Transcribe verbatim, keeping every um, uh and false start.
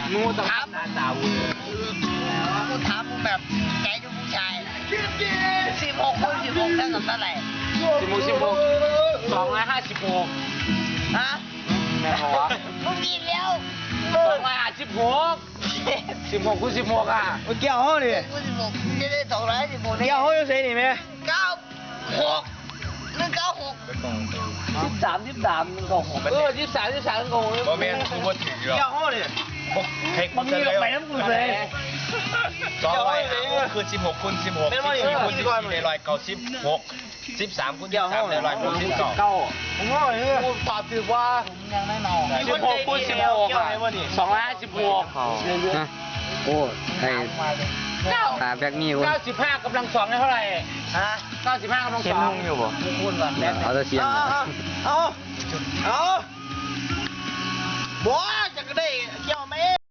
มูต้องถามหน้าสาวกูถามมึงแบบใจกับผู้ชายสิบหกคูณสิบหกเท่ากับเท่าไหร่สิบหกสิบหกสองร้อยห้าสิบหกฮะแม่บอกว่ามึงกินแล้วสองร้อยห้าสิบหกสิบหกคูณสิบหกอ่ะเกี่ยวห้องดิคูณสิบหกจะได้สองร้อยสิบหกเกี่ยวห้องยังไงนี่แม่เก้าหกหนึ่งเก้าหกสิบสามสิบสามหนึ่งเก้าหกเออสิบสามสิบสามหนึ่งเก้าหกบ่แม่นกูบ่ถือหรอกเกี่ยวห้องดิเทคมันมีไปน้ำมือเลยสองร้อยคือสิบหกคูณสิบหกสิบสี่คูณสิบสี่ได้ร้อยเก้าสิบหกสิบสามคูณสิบสามได้ร้อยหกสิบเก้าผมว่าไอ้กูตอบถือว่าผมยังไม่เมาสิบหกคูณสิบหกสองร้อยห้าสิบหกโอ้ไอ้ตาแบกนี่คนเก้าสิบห้ากำลังสองได้เท่าไหร่ฮะเก้าสิบห้ากำลังสองอยู่บ่คูณก่อนแบกเอาตะเชียนเอาเอาบัวจะก็ได้เกี่ยวไหม